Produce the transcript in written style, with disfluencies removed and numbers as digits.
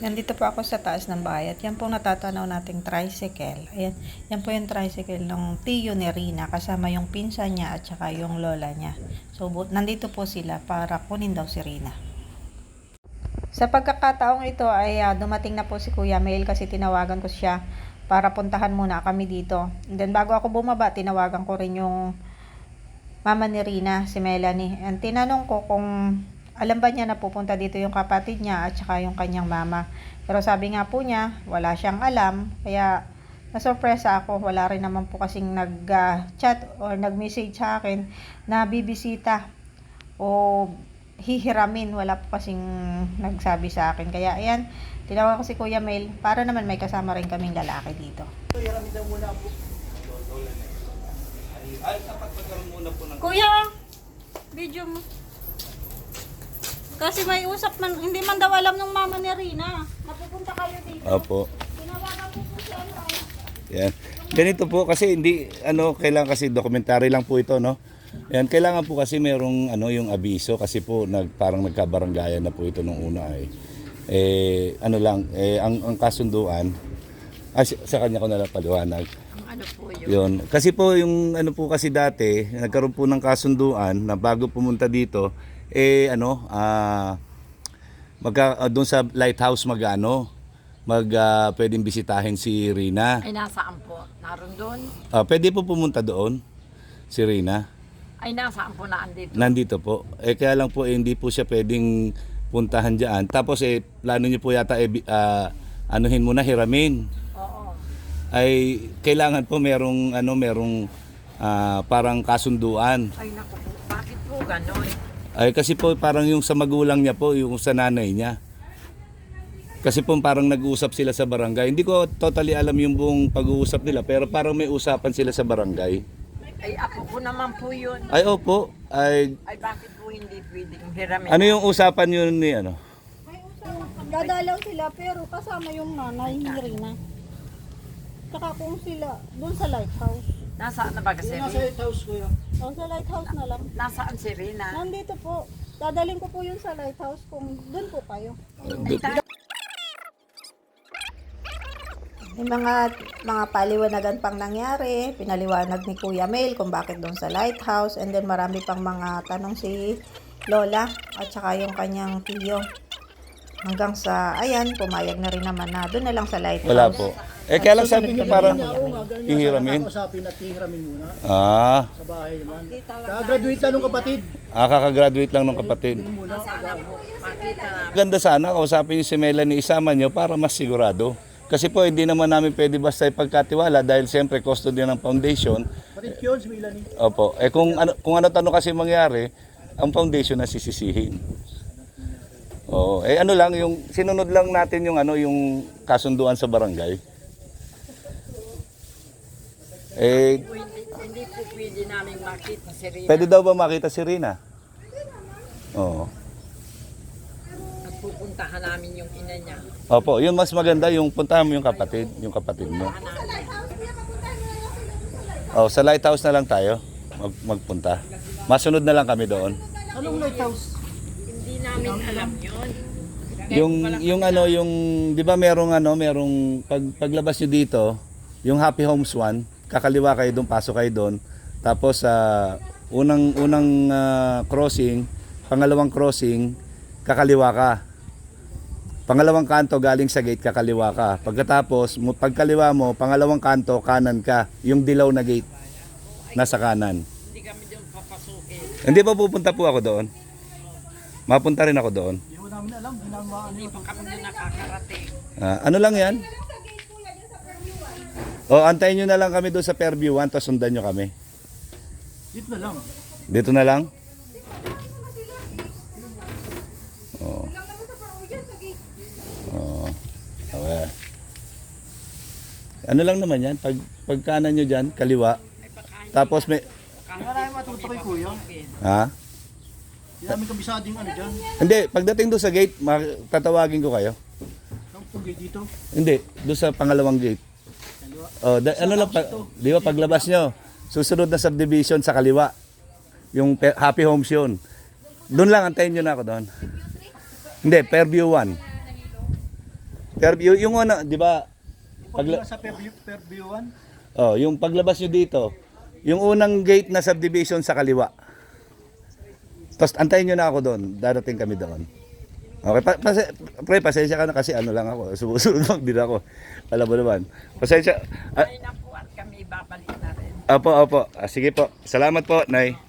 Nandito po ako sa taas ng bahay at yan po natatanaw nating tricycle. Ayan, yan po yung tricycle ng tiyo ni Rina kasama yung pinsan niya at saka yung lola niya. So, nandito po sila para kunin daw si Rina. Sa pagkakataong ito ay dumating na po si Kuya Mel kasi tinawagan ko siya para puntahan muna kami dito. And then bago ako bumaba, tinawagan ko rin yung mama ni Rina, si Melanie. And tinanong ko kung alam ba niya na pupunta dito yung kapatid niya at saka yung kanyang mama. Pero sabi nga po niya, wala siyang alam. Kaya nasurpresa ako. Wala rin naman po kasing nag-chat or nag-message sa akin na bibisita o hihiramin. Wala po kasing nagsabi sa akin. Kaya ayan, tinawagan ko si Kuya Mel para naman may kasama rin kaming lalaki dito. Kuya, video mo. Kasi may usap man, hindi man daw alam ng mama ni Rina. Napupunta kayo dito. Opo. Tinawagan ko po siya. Yan. Ganito po kasi hindi kailangan kasi documentary lang po ito, no. Yan, kailangan po kasi merong yung abiso kasi po parang nagkabaranggayan na po ito nung una ay. Ang kasunduan sa kanya ko na lang paliwanag. Ano po yun? Yun. Kasi po yung po kasi dati, nagkaroon po ng kasunduan na bago pumunta dito, doon sa lighthouse pwedeng bisitahin si Rina. Ay, nasaan po? Naroon doon? Pwede po pumunta doon si Rina. Ay, nasaan po na andito? Nandito po. Kaya lang po hindi po siya pwedeng puntahan diyan. Tapos plano niyo po yata anuhin muna hiramin. Oo. Ay kailangan po merong parang kasunduan. Ay, naku po. Bakit po ganon? Ay kasi po parang yung sa magulang niya po, yung sa nanay niya. Kasi po parang nag-uusap sila sa barangay. Hindi ko totally alam yung buong pag-uusap nila, pero parang may usapan sila sa barangay. Ay, ako po naman po yun. Ay opo, Ay, bakit po hindi pwedeng hiramin? ano yung usapan yun ni Dadalaw sila pero kasama yung nanay ni Rina. Tsaka kung sila, doon sa lighthouse. Nasaan na ba kasi? O sa lighthouse na lang. Nasaan si Rina? Nandito po. Dadaling ko po yun sa lighthouse kung doon po kayo. May mga paliwanagan pang nangyari. Pinaliwanag ni Kuya Mel kung bakit doon sa lighthouse. And then marami pang mga tanong si Lola at saka yung kanyang tiyo. Hanggang sa, ayan, pumayag na rin naman na doon na lang sa lighthouse. Wala po. Kaya lang sabi niyo parang ihiramin. Usapin at ihiramin muna Sa bahay naman. Kaka-graduate lang ng kapatid. Kaka-graduate lang ng kapatid. Sana po. Makita namin. Ganda sana kausapin niyo si Melanie, isama niyo para mas sigurado. Kasi po hindi naman namin pwede basta ipagkatiwala dahil siyempre custody ng foundation. Kapatid yun si Melanie. Opo. Kung ano kasi mangyari, ang foundation na sisisihin. Oo. Yung sinunod lang natin yung yung kasunduan sa barangay. Hindi po pwede namin makita si Rina. Pwede daw ba makita si Rina? Oo. At pupuntahan namin yung ina niya. Opo, yun mas maganda yung puntahan mo yung kapatid mo. Oh, sa lighthouse na lang tayo magpunta. Masunod na lang kami doon. Anong lighthouse? Hindi namin alam yun. Yung 'di ba merong paglabas niyo dito, yung Happy Homes 1, kakaliwa kayo doon, pasok kayo doon. Tapos unang crossing, pangalawang crossing, kakaliwa ka. Pangalawang kanto galing sa gate, kakaliwa ka. Pagkatapos, pagkaliwa mo, pangalawang kanto, kanan ka. Yung dilaw na gate, nasa kanan. Hindi kami doon papasukin. Hindi pa pupunta po ako doon. Mapunta rin ako doon. Hindi ko namin alam. Hindi pa kami doon nakakarating. Ano lang yan? O, antayin nyo na lang kami doon sa Fairview 1, tapos sundan nyo kami. Dito na lang. Dito na lang? Oo. Oo. Okay. Ano lang naman yan? Pag kanan nyo dyan, kaliwa. Tapos may... Wala yung matuto kay kuya. Ha? Hindi namin kabisading dyan. Hindi, pagdating doon sa gate, tatawagin ko kayo. Ang pugay dito. Hindi, doon sa pangalawang gate. Oh, di ba paglabas nyo, susunod na subdivision sa kaliwa. Yung Happy Homes yun. Doon lang, antayin nyo na ako doon. Hindi, Fairview 1. Fairview, yung ano, di ba? Pag sa Fairview 1, Oh, yung paglabas nyo dito, yung unang gate na subdivision sa kaliwa. Tapos antayin nyo na ako doon. Darating kami doon. Okay, pre, pasensya ka na kasi ano lang ako. Sumusunod lang din ako. Alam mo naman. Pasensya. Ay naku, at kami babalik na rin. Opo. Sige po. Salamat po, Nay.